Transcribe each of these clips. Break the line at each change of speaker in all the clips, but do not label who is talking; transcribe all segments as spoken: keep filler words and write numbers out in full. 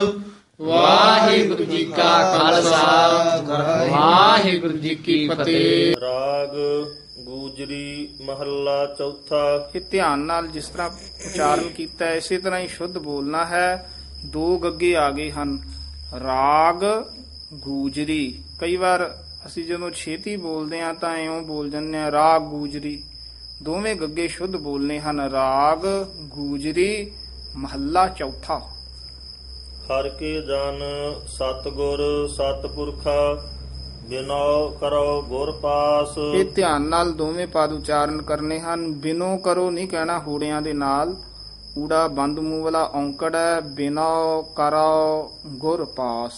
ਵਾਹਿਗੁਰੂ ਜੀ ਕਾ ਖਾਲਸਾ ਵਾਹਿਗੁਰੂ ਜੀ ਕੀ ਫਤਿਹ।
ਰਾਗ ਗੂਜਰੀ ਮਹੱਲਾ ਚੌਥਾ।
ਇਹ ਧਿਆਨ ਨਾਲ ਜਿਸ ਤਰ੍ਹਾਂ ਉਚਾਰਨ ਕੀਤਾ ਹੈ, ਇਸੇ ਤਰ੍ਹਾਂ ਹੀ ਸ਼ੁੱਧ ਬੋਲਣਾ ਹੈ। ਦੋ ਗੱਗੇ ਆ ਗਏ ਹਨ, ਰਾਗ ਗੂਜਰੀ। ਕਈ ਵਾਰ ਅਸੀਂ ਜਦੋਂ ਛੇਤੀ ਬੋਲਦੇ ਹਾਂ ਤਾਂ ਇਉਂ ਬੋਲ ਜਾਂਦੇ ਹਾਂ ਰਾਗ ਗੂਜਰੀ। ਦੋਵੇਂ ਗੱਗੇ ਸ਼ੁੱਧ ਬੋਲਨੇ ਹਨ, ਰਾਗ ਗੂਜਰੀ ਮਹੱਲਾ ਚੌਥਾ।
ਹਰ ਕੇ ਜਨ ਸਤਿਗੁਰ ਸਤਿਪੁਰਖਾ ਬਿਨੋ ਕਰੋ ਗੁਰ ਪਾਸ।
ਇਹ ਧਿਆਨ ਨਾਲ ਦੋਵੇਂ ਪਦ ਉਚਾਰਨ ਕਰਨੇ ਹਨ। ਬਿਨੋ ਕਰੋ ਨਹੀਂ ਕਹਿਣਾ ਹੂੜਿਆਂ ਦੇ ਨਾਲ, ਊੜਾ ਬੰਦ ਮੂੰਹ ਵਾਲਾ ਔਂਕੜ ਹੈ। ਬਿਨੋ ਕਰੋ ਗੁਰ ਪਾਸ।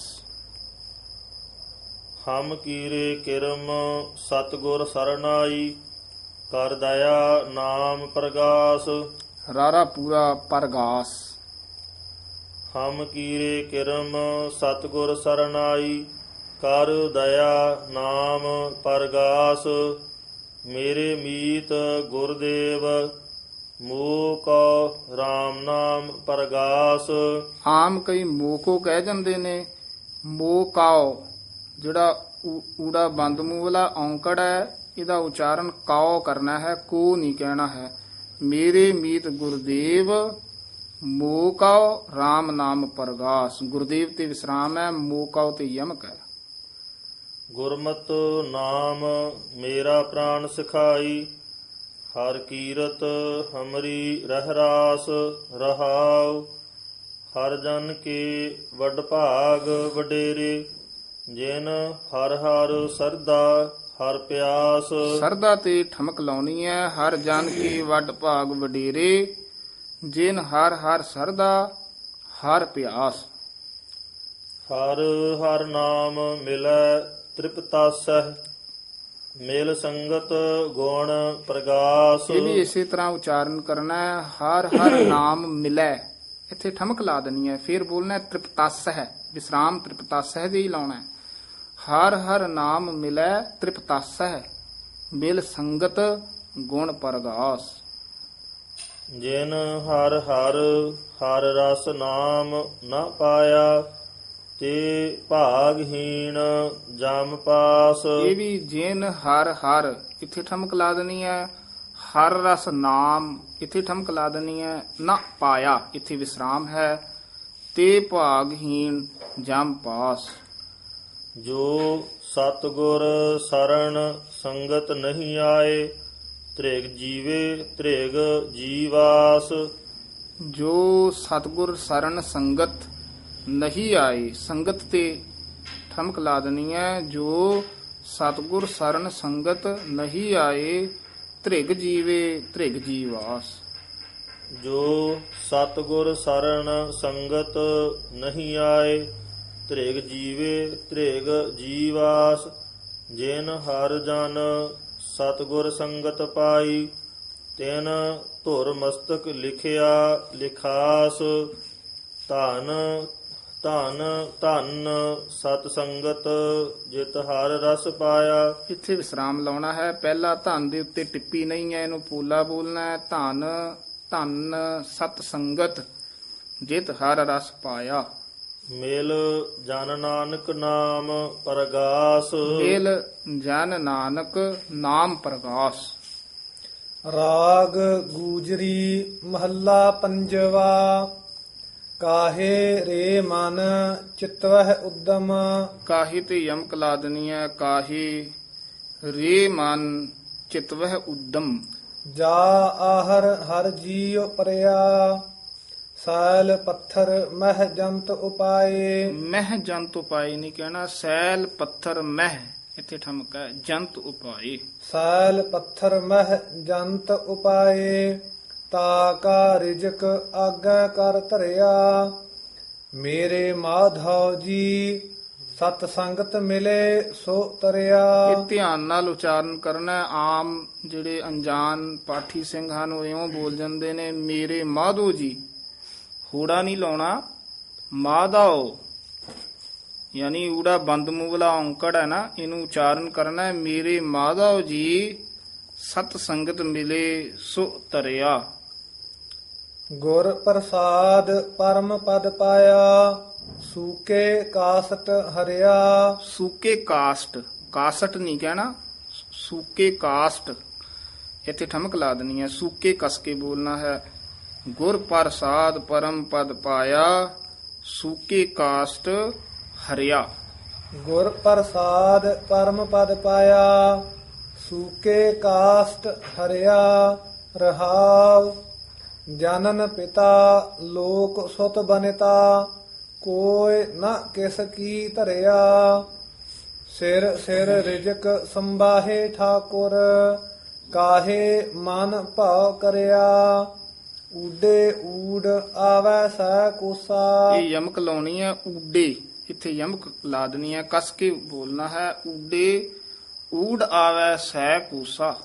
ਹਮ ਕੀਰੇ ਕਿਰਮ ਸਤਿਗੁਰ ਸਰਨਾਈ ਕਰ ਦਇਆ ਨਾਮ ਪ੍ਰਗਾਸ।
ਰਾਰਾ ਪੂਰਾ ਪਰਗਾਸ।
ਹਮ ਕੀਰੇ ਕਿਰਮ ਸਤਿਗੁਰ ਸਰਨਾਈ ਕਰ ਦਇਆ ਨਾਮ ਪਰਗਾਸ। ਮੇਰੇ ਮੀਤ ਗੁਰਦੇਵ ਮੋਹ ਕੋ ਰਾਮ ਨਾਮ ਪਰਗਾਸ।
ਆਮ ਕਈ ਮੋਕੋ ਕਹਿ ਜਾਂਦੇ ਨੇ, ਮੋਕਾਓ ਜਿਹੜਾ ਊ- ਊੜਾ ਬੰਦ ਮੂੰਹ ਵਾਲਾ ਔਂਕੜ ਹੈ, ਇਹਦਾ ਉਚਾਰਨ ਕਾਓ ਕਰਨਾ ਹੈ, ਕੋ ਨਹੀਂ ਕਹਿਣਾ ਹੈ। ਮੇਰੇ ਮੀਤ ਗੁਰਦੇਵ ਮੋਕਾਓ ਰਾਮ ਨਾਮ ਪਰਗਾਸ। ਗੁਰਦੇਵ ਤੇ ਵਿਸਰਾਮ ਹੈ, ਮੋਕਾਓ ਤੇ ਯਮਕ ਹੈ।
ਗੁਰਮਤਿ ਨਾਮ ਮੇਰਾ ਪ੍ਰਾਣ ਸਿਖਾਈ ਹਰ ਕੀਰਤ ਹਮਰੀ ਰਹਿ ਰਾਸ ਰਹਾਉ। ਹਰ ਜਨ ਕੇ ਵੱਡ ਭਾਗ ਵਡੇਰੇ ਜਿਨ ਹਰ ਹਰ ਸਰਦਾ ਹਰ ਪਿਆਸ।
ਸਰਦਾ ਤੇ ਠਮਕ ਲਾਉਣੀ ਹੈ। ਹਰ ਜਨ ਕੀ ਵੱਡ ਭਾਗ ਵਡੇਰੇ ਜਿਨ ਹਰ ਹਰ ਸਰਦਾ ਹਰ ਪਿਆਸ।
ਹਰ ਹਰ ਨਾਮ ਮਿਲੈ ਤ੍ਰਿਪਤਾਸਹਿ ਮਿਲ ਸੰਗਤ ਗੁਣ ਪ੍ਰਗਾਸ।
ਇਹ ਵੀ ਇਸੇ ਤਰ੍ਹਾਂ ਉਚਾਰਨ ਕਰਨਾ ਹੈ। ਹਰ ਹਰ ਨਾਮ ਮਿਲੈ, ਇੱਥੇ ਠਮਕ ਲਾ ਦੇਣੀ ਹੈ। ਫਿਰ ਬੋਲਣਾ ਤ੍ਰਿਪਤਸ ਹੈ, ਵਿਸਰਾਮ ਤ੍ਰਿਪਤਸ ਹੈ ਦੇ ਹੀ ਲਾਉਣਾ ਹੈ। ਹਰ ਹਰ ਨਾਮ ਮਿਲੈ ਤ੍ਰਿਪਤਸ ਹੈ ਮਿਲ ਸੰਗਤ ਗੁਣ ਪ੍ਰਗਾਸ।
ਜਿਨ ਹਰ ਹਰ ਹਰ ਰਸ ਨਾਮ ਨ ਪਾਇਆ ਤੇ ਭਾਗਹੀਣ ਜਮ ਪਾਸ।
ਇਹ ਵੀ ਜਿਨ ਹਰ ਹਰ ਇੱਥੇ ਠਮਕ ਲਾ ਦੇਣੀ ਹੈ। ਹਰ ਰਸ ਨਾਮ ਇੱਥੇ ਠਮਕ ਲਾ ਦੇਣੀ ਹੈ। ਨਾ ਪਾਇਆ ਇੱਥੇ ਵਿਸਰਾਮ ਹੈ। ਤੇ ਭਾਗਹੀਣ ਜਮ ਪਾਸ।
ਜੋ ਸਤਿਗੁਰ ਸਰਣ ਸੰਗਤ ਨਹੀਂ ਆਏ ਤ੍ਰਿਗ ਜੀਵੇ ਤ੍ਰਿਗ ਜੀਵਾਸ।
ਜੋ ਸਤਿਗੁਰ ਸਰਨ ਸੰਗਤ ਨਹੀਂ ਆਏ, ਸੰਗਤ ਤੇ ਠਮਕ ਲਾ ਦੇਣੀ ਹੈ। ਜੋ ਸਤਿਗੁਰ ਸਰਨ ਸੰਗਤ ਨਹੀਂ ਆਏ ਤ੍ਰਿਗ ਜੀਵੇ ਤ੍ਰਿਗ ਜੀਵਾਸ।
ਜੋ ਸਤਿਗੁਰ ਸਰਣ ਸੰਗਤ ਨਹੀਂ ਆਏ ਤ੍ਰਿਗ ਜੀਵੇ ਤ੍ਰਿਗ ਜੀਵਾਸ। ਜਿਨ ਹਰ ਜਨ ਸਤਿਗੁਰ ਸੰਗਤ ਪਾਈ ਤਿਨ ਧੁਰ ਮਸਤਕ ਲਿਖਿਆ ਲਿਖਾਸ। ਧਨ ਧਨ ਧਨ ਸਤ ਸੰਗਤ ਜਿਤ ਹਰ ਰਸ ਪਾਇਆ।
ਇੱਥੇ ਵਿਸਰਾਮ ਲਾਉਣਾ ਹੈ। ਪਹਿਲਾ ਧਨ ਦੇ ਉੱਤੇ ਟਿੱਪੀ ਨਹੀਂ ਹੈ, ਇਹਨੂੰ ਪੂਲਾ ਬੋਲਣਾ ਹੈ। ਧਨ ਧਨ ਸਤ ਸੰਗਤ ਜਿਤ ਹਰ ਰਸ ਪਾਇਆ।
ਮਿਲ ਜਨ ਨਾਨਕ ਨਾਮ ਪਰਗਾਸ।
ਮੇਲ ਜਨ ਨਾਨਕ ਨਾਮ ਪ੍ਰਗਾਸ।
ਰਾਗ ਗੂਜਰੀ ਮਹੱਲਾ ਪੰਜਵਾ। ਕਾਹੇ ਰੇ ਮਨ ਚਿਤਵਹਿ ਉਦਮ।
ਕਾਹੀ ਤੇ ਯਮਕ ਲਾ ਦੇਣੀ ਹੈ। ਕਾਹੀ ਰੇ ਮਨ ਚਿਤਵਹਿ ਉਦਮ।
ਜਾ ਆਹਰ ਹਰ ਜੀਉ ਪਰਿਆ ਸਾਲ ਪੱਥਰ ਮਹਿ ਜੰਤ ਉਪਾਏ।
ਮਹਿ ਜੰਤ ਉਪਾਏ ਨਹੀਂ ਕਹਿਣਾ, ਸੈਲ ਪੱਥਰ ਮਹਿ ਇੱਥੇ ਠਮਕ ਹੈ। ਜੰਤ ਉਪਾਏ।
ਸਾਲ ਪੱਥਰ ਮਹਿ ਜੰਤ ਉਪਾਏ ਤਾ ਕਾ ਰਿਜਕ ਆਗਾ ਕਰ ਧਰਿਆ। ਮੇਰੇ ਮਾਧਵ ਜੀ ਸਤ ਸੰਗਤ ਮਿਲੇ ਸੋ ਤਰਿਆ।
ਇਹ ਧਿਆਨ ਨਾਲ ਉਚਾਰਨ ਕਰਨਾ ਹੈ। ਆਮ ਜਿਹੜੇ ਅਣਜਾਣ ਪਾਠੀ ਸਿੰਘ ਹਨ ਉਹ ਇਉਂ ਬੋਲ ਜਾਂਦੇ ਨੇ ਮੇਰੇ ਮਾਧੋ ਜੀ, ਹੂੜਾ ਨਹੀਂ ਲਾਉਣਾ, ਮਾਧਵ ਯਾਨੀ ਊੜਾ ਬੰਦ ਮੂੰਹ ਵਾਲਾ ਔਂਕੜ ਹੈ ਨਾ, ਇਹਨੂੰ ਉਚਾਰਨ ਕਰਨਾ ਹੈ ਮੇਰੇ ਮਾਧਵ ਜੀ ਸਤ ਸੰਗਤ ਮਿਲੇ ਸੋ ਤਰਿਆ।
ਗੁਰ ਪ੍ਰਸਾਦ ਪਰਮ ਪਦ ਪਾਇਆ ਸੂਕੇ ਕਾਸਟ ਹਰਿਆ।
ਸੂਕੇ ਕਾਸਟ, ਕਾਸਟ ਨਹੀਂ ਕਹਿਣਾ, ਸੂਕੇ ਕਾਸਟ ਇੱਥੇ ਠਮਕ ਲਾ ਦੇਣੀ ਹੈ, ਸੂਕੇ ਕਸ ਕੇ ਬੋਲਣਾ ਹੈ। ਗੁਰ ਪ੍ਰਸਾਦ ਪਰਮ ਪਦ ਪਾਇਆ, ਸੂਕੇ ਕਾਸਟ ਹਰਿਆ।
ਗੁਰ ਪ੍ਰਸਾਦ ਪਰਮ ਪਦ ਪਾਇਆ, ਸੂਕੇ ਕਾਸਟ ਹਰਿਆ। ਰਹਾਵ ਜਨਨ ਪਿਤਾ ਲੋਕ ਸੁਤ ਬਨਿਤਾ, ਕੋਇ ਨ ਕਿਸ ਕੀ ਧਰਿਆ। ਸਿਰ ਸਿਰ ਰਿਜਕ ਸੰਬਾਹੇ ਠਾਕੁਰ, ਕਾਹੇ ਮਨ ਭਾਉ ਕਰਿਆ। ਊਡੇ ਊੜ ਆਵੈ ਸਹਿ ਕੋਸਾ।
ਇਹ ਯਮਕ ਲਾਉਣੀ ਹੈ ਊਡੇ, ਇੱਥੇ ਯਮਕ ਲਾ ਦੇਣੀ ਹੈ, ਕਸ ਕੇ ਬੋਲਣਾ ਹੈ। ਊਡੇ ਊੜ ਆਵੈ ਸਹਿ ਕੂਸਾ।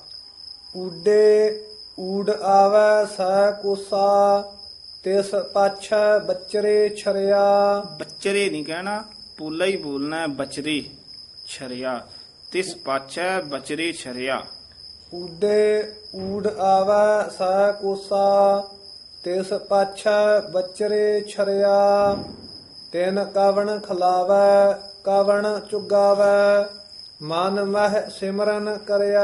ਊਡੇ ਊੜ ਆਵੈ ਸਹਿ ਕੋਸਾ, ਤਿਸ ਪਾਛੈ ਬਚਰੇ ਛਰਿਆ।
ਬੱਚਰੇ ਨਹੀਂ ਕਹਿਣਾ, ਪੋਲਾ ਹੀ ਬੋਲਣਾ ਹੈ, ਬਚਰੇ ਛਰਿਆ। ਤਿਸ ਪਾਛੈ ਬਚਰੇ ਛਰਿਆ।
ਊਡੇ ਊੜ ਆਵੈ ਸਹਿ ਕੋਸਾ, ਤਿਸ ਪਾਛੈ ਬਚਰੇ ਛਰਿਆ। ਤਿਨ ਕਵਣ ਖਲਾਵੈ ਕਵਣ ਚੁਗਾਵੈ, ਮਨ ਮਹਿ ਸਿਮਰਨ ਕਰਿਆ।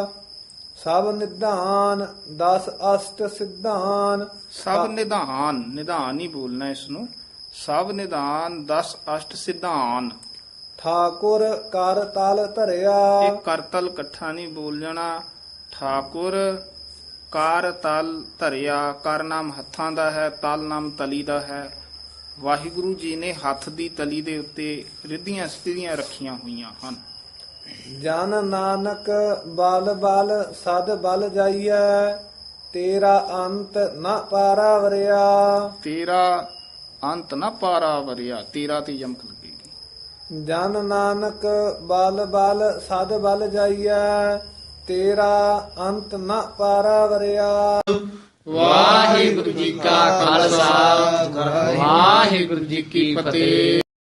ਸਭ ਨਿਧਾਨ ਦਸ ਅਸ਼ਟ ਸਿਧਾਨ।
ਸਭ ਨਿਧਾਨ, ਨਿਧਾਨ ਹੀ ਬੋਲਣਾ ਇਸ ਨੂੰ। ਸਭ ਨਿਧਾਨ ਦਸ ਅਸ਼ਟ ਸਿਧਾਨ।
ਠਾਕੁਰ ਕਰ ਤਲ ਧਰਿਆ।
ਇਹ ਕਰਤਲ ਇਕੱਠਾ ਨਹੀਂ ਬੋਲ ਜਾਣਾ। ਠਾਕੁਰ ਕਾਰ ਤਲ ਧਰਿਆ, ਕਰ ਨਾਮ ਹੱਥਾਂ ਦਾ ਹੈ, ਤਲ ਨਾਮ ਤਲੀ ਦਾ ਹੈ। ਵਾਹਿਗੁਰੂ ਜੀ ਨੇ ਹੱਥ ਦੀ ਤਲੀ ਦੇ ਉੱਤੇ ਰਿੱਧੀਆਂ ਸਥਿਤੀਆਂ ਰੱਖੀਆਂ ਹੋਈਆਂ ਹਨ।
ਜਨ ਨਾਨਕ ਬਲ ਬਲ ਸਦ ਬਲ ਜਾਈਐ, ਤੇਰਾ ਅੰਤ ਨ ਪਾਰਾ ਵਰਿਆ।
ਤੇਰਾ ਅੰਤ ਨਾ ਪਾਰਾ ਵਰਿਆ, ਤੇਰਾ ਤੇ ਯਮਕ ਲੱਗੇਗੀ।
ਜਨ ਨਾਨਕ ਬਲ ਬਲ ਸਦ ਬਲ ਜਾਈਐ, ਤੇਰਾ ਅੰਤ ਨ ਪਾਰਾ ਵਰਿਆ।
ਵਾਹਿਗੁਰੂ ਜੀ ਕਾ ਖਾਲਸਾ, ਵਾਹਿਗੁਰੂ ਜੀ ਕੀ ਫਤਿਹ।